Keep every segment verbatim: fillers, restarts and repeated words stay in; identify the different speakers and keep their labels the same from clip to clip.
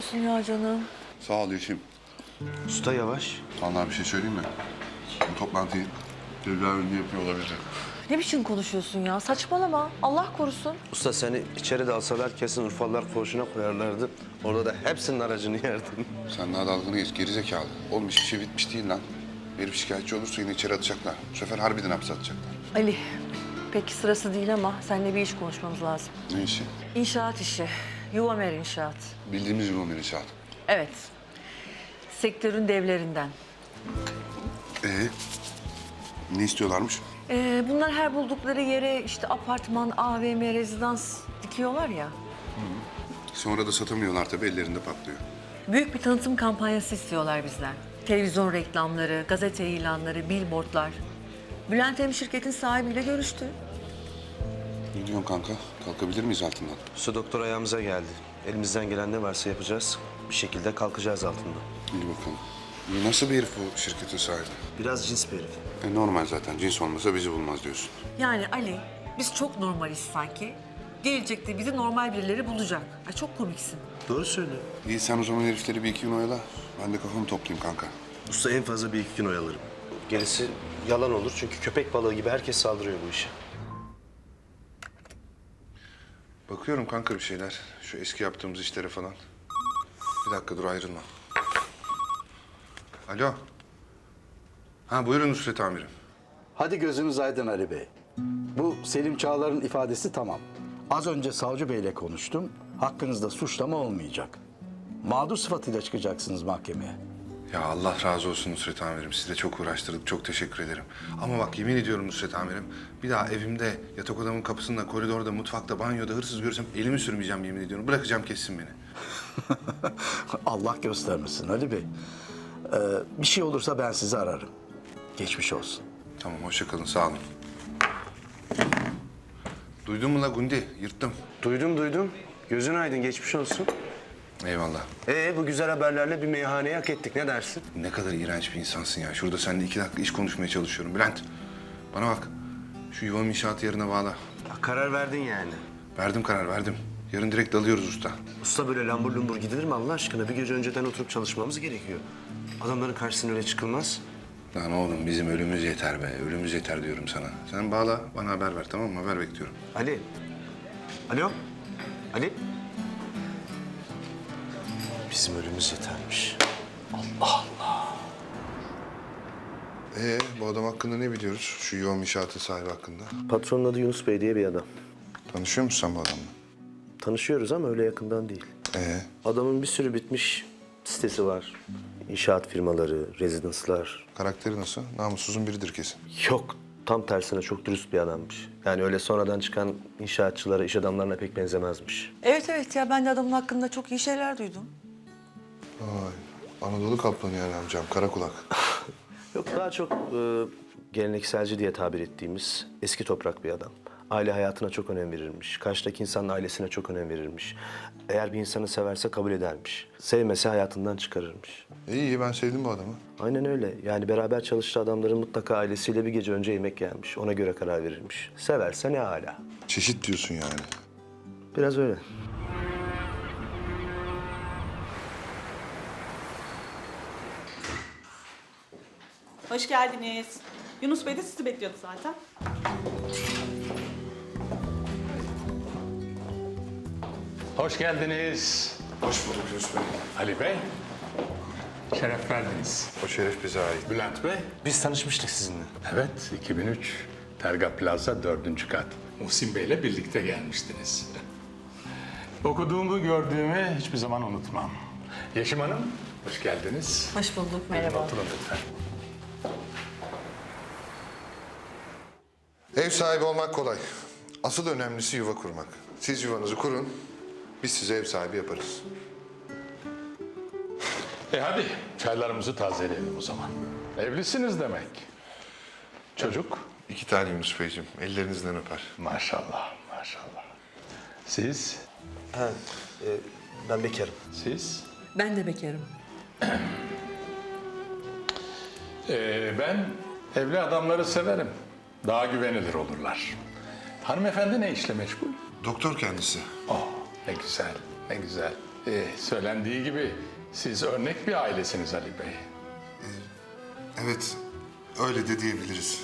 Speaker 1: olsun ya canım.
Speaker 2: Sağ ol Yeşim.
Speaker 3: Usta yavaş.
Speaker 2: Vallahi bir şey söyleyeyim mi? Bu toplantıyı devler önünde yapıyor olabilir.
Speaker 1: Ne biçim konuşuyorsun ya? Saçmalama. Allah korusun.
Speaker 3: Usta seni içeri de alsalar kesin Urfalılar koğuşuna koyarlardı. Orada da hepsinin aracını yerdin.
Speaker 2: Sen daha dalgını geç, gerizekalı. Oğlum hiçbir şey bitmiş değil lan. Herif şikayetçi olursa yine içeri atacaklar. Bu sefer harbiden hapse atacaklar.
Speaker 1: Ali, pek sırası değil ama seninle bir iş konuşmamız lazım.
Speaker 2: Ne işi?
Speaker 1: İnşaat işi. Yuvamer İnşaat.
Speaker 2: Bildiğimiz gibi o inşaat.
Speaker 1: Evet. Sektörün devlerinden.
Speaker 2: Ee, ne istiyorlarmış?
Speaker 1: Ee, bunlar her buldukları yere işte apartman, A V M, rezidans dikiyorlar ya.
Speaker 2: Sonra da satamıyorlar tabii, ellerinde patlıyor.
Speaker 1: Büyük bir tanıtım kampanyası istiyorlar bizden. Televizyon reklamları, gazete ilanları, billboardlar. Bülent Hem şirketin sahibiyle görüştü.
Speaker 2: Ne diyorsun kanka? Kalkabilir miyiz altından?
Speaker 3: Usta doktor ayağımıza geldi. Elimizden gelen ne varsa yapacağız. Bir şekilde kalkacağız altından.
Speaker 2: İyi bakalım. İyi, nasıl bir herif bu şirketin sahibi?
Speaker 3: Biraz cins bir herif.
Speaker 2: E normal zaten. Cins olmasa bizi bulmaz diyorsun.
Speaker 1: Yani Ali, biz çok normaliz sanki. Gelecekte bizi normal birileri bulacak. Ay çok komiksin.
Speaker 3: Doğru söylüyor.
Speaker 2: İyi, sen o zaman herifleri bir iki gün oyala. Ben de kafamı toplayayım kanka.
Speaker 3: Usta en fazla bir iki gün oyalarım. Gerisi yalan olur çünkü köpek balığı gibi herkes saldırıyor bu işe.
Speaker 2: Bakıyorum kanka bir şeyler. Şu eski yaptığımız işlere falan. Bir dakika dur, ayrılma. Alo. Ha buyurun Nusret amirim.
Speaker 4: Hadi gözünüz aydın Ali Bey. Bu Selim Çağlar'ın ifadesi tamam. Az önce savcı beyle konuştum. Hakkınızda suçlama olmayacak. Mağdur sıfatıyla çıkacaksınız mahkemeye.
Speaker 2: Ya Allah razı olsun Nusret amirim. Sizi de çok uğraştırdık. Çok teşekkür ederim. Ama bak yemin ediyorum Nusret amirim. Bir daha evimde, yatak odamın kapısında, koridorda, mutfakta, banyoda hırsız görürsem elimi sürmeyeceğim yemin ediyorum. Bırakacağım kessin beni.
Speaker 4: Allah göstermesin Ali Bey. Ee, bir şey olursa ben sizi ararım. Geçmiş olsun.
Speaker 2: Tamam hoşça kalın, sağ olun. Duydun mu la Gundi? Yırttım.
Speaker 3: Duydum duydum. Gözün aydın geçmiş olsun.
Speaker 2: Eyvallah.
Speaker 3: Ee bu güzel haberlerle bir meyhaneyi hak ettik ne dersin?
Speaker 2: Ne kadar iğrenç bir insansın ya. Şurada seninle iki dakika iş konuşmaya çalışıyorum. Bülent, bana bak. Şu yuvam inşaatı yarına bağla.
Speaker 3: Ya, karar verdin yani.
Speaker 2: Verdim karar, verdim. Yarın direkt dalıyoruz usta.
Speaker 3: Usta böyle lambur lumbur gidilir mi Allah aşkına? Bir gece önceden oturup çalışmamız gerekiyor. Adamların karşısına öyle çıkılmaz.
Speaker 2: Lan oğlum bizim ölümümüz yeter be. Ölümümüz yeter diyorum sana. Sen bağla, bana haber ver tamam mı? Haber bekliyorum.
Speaker 3: Ali. Alo. Ali. Bizim ölümümüz yetermiş.
Speaker 2: Ee, bu adam hakkında ne biliyoruz? Şu yuvam inşaatı sahibi hakkında.
Speaker 3: Patronun adı Yunus Bey diye bir adam.
Speaker 2: Tanışıyor musun sen bu adamla?
Speaker 3: Tanışıyoruz ama öyle yakından değil.
Speaker 2: Ee,
Speaker 3: Adamın bir sürü bitmiş sitesi var. İnşaat firmaları, rezidanslar.
Speaker 2: karakteri nasıl? Namussuzun biridir kesin.
Speaker 3: Yok, tam tersine çok dürüst bir adammış. Yani öyle sonradan çıkan inşaatçılara, iş adamlarına pek benzemezmiş.
Speaker 1: Evet evet ya ben de adamın hakkında çok iyi şeyler duydum.
Speaker 2: Vay, Anadolu kaplanı yani amcam, kara kulak.
Speaker 3: Yok, daha çok e, gelenekselci diye tabir ettiğimiz eski toprak bir adam. Aile hayatına çok önem verirmiş. Karşıdaki insanın ailesine çok önem verirmiş. Eğer bir insanı severse kabul edermiş. Sevmese hayatından çıkarırmış.
Speaker 2: İyi iyi, ben sevdim bu adamı.
Speaker 3: Aynen öyle. Yani beraber çalıştığı adamların mutlaka ailesiyle bir gece önce yemek yermiş. Ona göre karar verirmiş. Severse ne hala.
Speaker 2: Çeşit diyorsun yani.
Speaker 3: Biraz öyle.
Speaker 5: Hoş geldiniz. Yunus Bey de sizi bekliyordu zaten.
Speaker 6: Hoş geldiniz.
Speaker 2: Hoş bulduk Yunus Bey.
Speaker 6: Ali Bey. Şeref verdiniz.
Speaker 2: O şeref bize ait.
Speaker 6: Bülent Bey.
Speaker 3: Biz tanışmıştık sizinle.
Speaker 6: Evet, iki bin üç. Terga Plaza dördüncü kat. Muhsin Bey'le birlikte gelmiştiniz. Okuduğumu, gördüğümü hiçbir zaman unutmam. Yeşim Hanım, hoş geldiniz.
Speaker 1: Hoş bulduk, merhaba.
Speaker 6: Oturun lütfen.
Speaker 2: Ev sahibi olmak kolay. Asıl önemlisi yuva kurmak. Siz yuvanızı kurun, biz size ev sahibi yaparız.
Speaker 6: E hadi, çaylarımızı tazeleyelim o zaman. Evlisiniz demek. Çocuk?
Speaker 2: İki tane Yunus Beyciğim, ellerinizden öper.
Speaker 6: Maşallah, maşallah. Siz?
Speaker 3: Ha, e, ben bekarım.
Speaker 6: Siz?
Speaker 1: Ben de bekarım.
Speaker 6: Ee, ben evli adamları severim. Daha güvenilir olurlar. Hanımefendi ne işle meşgul?
Speaker 2: Doktor kendisi.
Speaker 6: Oh, ne güzel, ne güzel. Ee, söylendiği gibi siz örnek bir ailesiniz Ali Bey.
Speaker 2: Evet, öyle de diyebiliriz.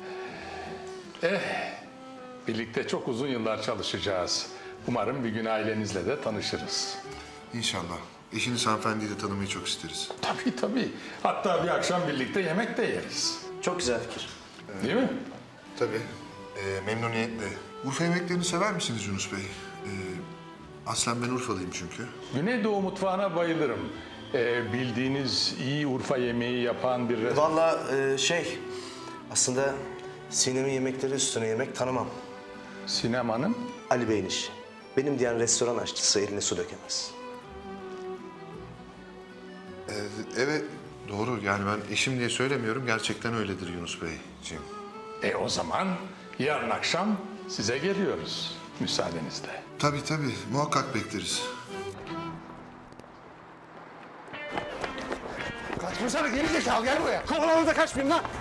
Speaker 6: Birlikte çok uzun yıllar çalışacağız. Umarım bir gün ailenizle de tanışırız.
Speaker 2: İnşallah. Eşiniz hanımefendiyi de tanımayı çok isteriz.
Speaker 6: Tabii tabii. Hatta bir akşam birlikte yemek de yeriz.
Speaker 3: Çok güzel fikir.
Speaker 6: Değil mi?
Speaker 2: Tabii, ee, memnuniyetle. Urfa yemeklerini sever misiniz Yunus Bey? Ee, aslen ben Urfalıyım çünkü.
Speaker 6: Güneydoğu mutfağına bayılırım. Ee, bildiğiniz iyi Urfa yemeği yapan bir restoran.
Speaker 3: Vallahi e, şey, aslında Sinem'in yemekleri üstüne yemek tanımam.
Speaker 6: Sinemanın
Speaker 3: Ali Bey'in işi. Benim diyen restoran aşçısı eline su dökemez.
Speaker 2: Ee, evet, doğru. Yani ben eşim diye söylemiyorum. Gerçekten öyledir Yunus Beyciğim.
Speaker 6: E o zaman yarın akşam size geliyoruz müsaadenizle.
Speaker 2: Tabii tabii, muhakkak bekleriz.
Speaker 7: Kaçmasana geri zekalı gel buraya. Kovalanı da kaçmayayım lan.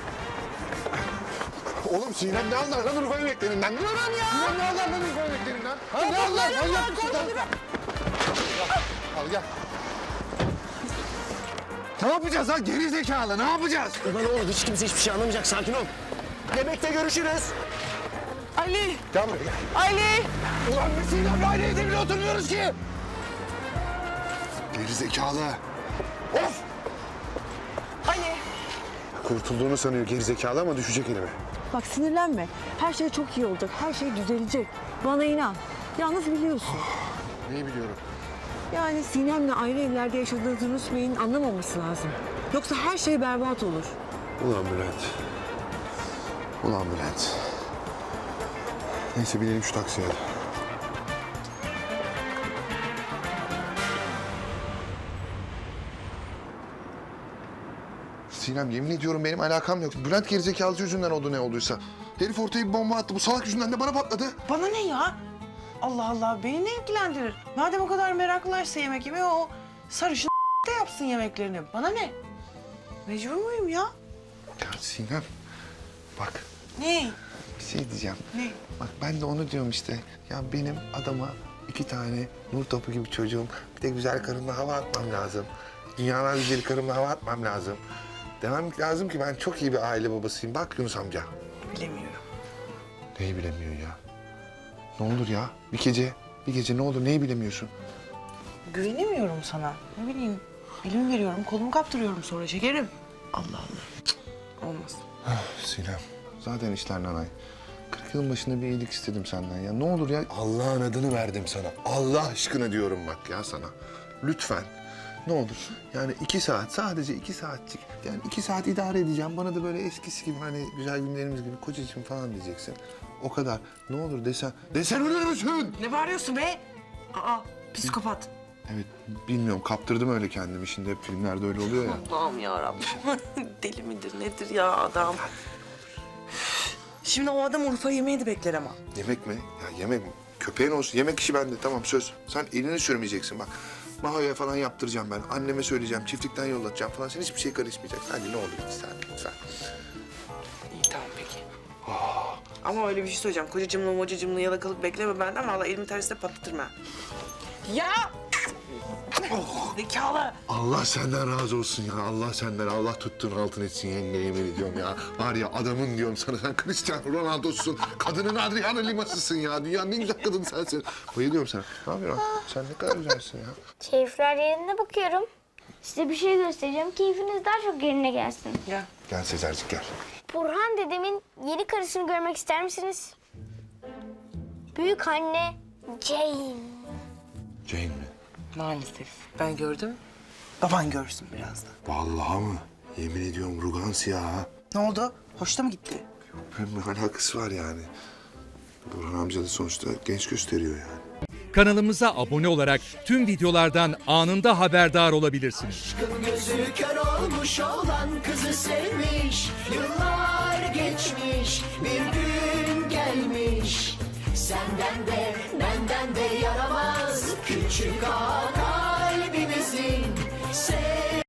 Speaker 7: Oğlum Sinem ne anlar lan Urfa yemeklerinden? Durun ya. Sinem ne anlar lan Urfa yemeklerinden? Ha ne anlar? Manyak mısın lan? Al gel. Ne yapacağız lan geri zekalı ne yapacağız?
Speaker 3: Ulan oğlum hiç kimse hiçbir şey anlamayacak. Sakin ol. Yemekte görüşürüz.
Speaker 1: Ali!
Speaker 7: Gel buraya gel.
Speaker 1: Ali!
Speaker 7: Ulan biz Sinem'le aynı evde bile oturmuyoruz ki.
Speaker 2: Geri zekalı.
Speaker 7: Of!
Speaker 1: Ali!
Speaker 2: Kurtulduğunu sanıyor geri zekalı ama düşecek elime.
Speaker 1: Bak sinirlenme. Her şey çok iyi olacak. Her şey düzelecek. Bana inan. Yalnız biliyorsun.
Speaker 2: Neyi biliyorum?
Speaker 1: Yani Sinem'le ayrı evlerde yaşadığınızı Yunus Bey'in anlamaması lazım. Yoksa her şey berbat olur.
Speaker 2: Ulan Bülent. Ulan Bülent. Neyse binelim şu taksiye hadi. Sinem yemin ediyorum benim alakam yok. Bülent gerizekalı yüzünden oldu ne olduysa. Herif ortaya bir bomba attı. Bu salak yüzünden de bana patladı.
Speaker 8: Bana ne ya? Allah Allah beni ne ilgilendirir? Madem o kadar meraklılarsa yemek yemeye o sarışın da yapsın yemeklerini. Bana ne? Mecbur muyum ya?
Speaker 2: Ya Sinem bak
Speaker 8: Ne?
Speaker 2: bir şey diyeceğim.
Speaker 8: Ne?
Speaker 2: Bak ben de onu diyorum işte. Ya benim adama iki tane nur topu gibi çocuğum. Bir de güzel karımla hava atmam lazım. Dünyalar güzeli karımla hava atmam lazım. Demem lazım ki ben çok iyi bir aile babasıyım. Bak Yunus amca.
Speaker 8: Bilemiyorum.
Speaker 2: Neyi bilemiyor ya? Ne olur ya? Bir gece, bir gece ne olur neyi bilemiyorsun?
Speaker 8: Güvenemiyorum sana. Ne bileyim. Elimi veriyorum, kolumu kaptırıyorum sonra şekerim. Allah Allah. Cık, olmaz.
Speaker 2: Sinem, zaten işler nanay. Kırk yılın başında bir iyilik istedim senden ya. Ne olur ya Allah'ın adını verdim sana. Allah aşkına diyorum bak ya sana. Lütfen. Ne olur. Yani iki saat, sadece iki saatçik. Yani iki saat idare edeceğim. Bana da böyle eskisi gibi hani güzel günlerimiz gibi kocacığım falan diyeceksin. O kadar. Ne olur desen. Desen ölür müsün?
Speaker 8: Ne bağırıyorsun be? Aa, psikopat.
Speaker 2: Evet, bilmiyorum. Kaptırdım öyle kendimi. Şimdi hep filmlerde öyle oluyor ya.
Speaker 8: Allah'ım yarabbim. Deli midir nedir ya adam? Şimdi o adam Urfa yemeği de bekler ama.
Speaker 2: Yemek mi? Ya yemek mi? Köpeğin olsun. Yemek işi bende. Tamam söz. Sen elini sürmeyeceksin bak. Mahoya falan yaptıracağım ben. Anneme söyleyeceğim. Çiftlikten yollatacağım falan. Sen hiçbir şey karışmayacak. Hadi ne olur iki saat lütfen.
Speaker 8: İyi tamam peki. Ama öyle bir şey söyleyeceğim. Kocacımla mocacımla yalakalık bekleme benden. Vallahi elimi tersine patlatırım ha. Ya! Zekalı!
Speaker 2: Allah senden razı olsun ya. Allah senden. Allah tuttuğun altın etsin yenge yemin ediyorum ya. Var ya adamın diyorum sana. Sen Cristiano Ronaldo'sun. Kadının Adriana Lima'sısın ya. Dünyanın en güzel kadını sensin. Bayılıyorum sana. Ne yapıyorsun? Sen ne kadar güzelsin ya.
Speaker 9: Keyifler yerine bakıyorum. Size bir şey göstereceğim. Keyfiniz daha çok yerine gelsin.
Speaker 8: Ya
Speaker 2: Gel Sezercik gel.
Speaker 9: Burhan dedemin yeni karısını görmek ister misiniz? Büyük anne Jane.
Speaker 2: Jane mi?
Speaker 8: maalesef. Ben gördüm. Baban görsün birazdan.
Speaker 2: Vallahi mı? Yemin ediyorum Rugans ya.
Speaker 8: Ne oldu? Hoşta mı gitti?
Speaker 2: Hem alakası var yani. Burhan amca da sonuçta genç gösteriyor yani.
Speaker 10: Kanalımıza abone olarak tüm videolardan anında haberdar olabilirsiniz.
Speaker 11: Gözü kör olmuş olan kızı sevmiş. Yıllar geçmiş, bir gün gelmiş. Senden de benden de yaramaz küçük ağa kalbimizin. Sev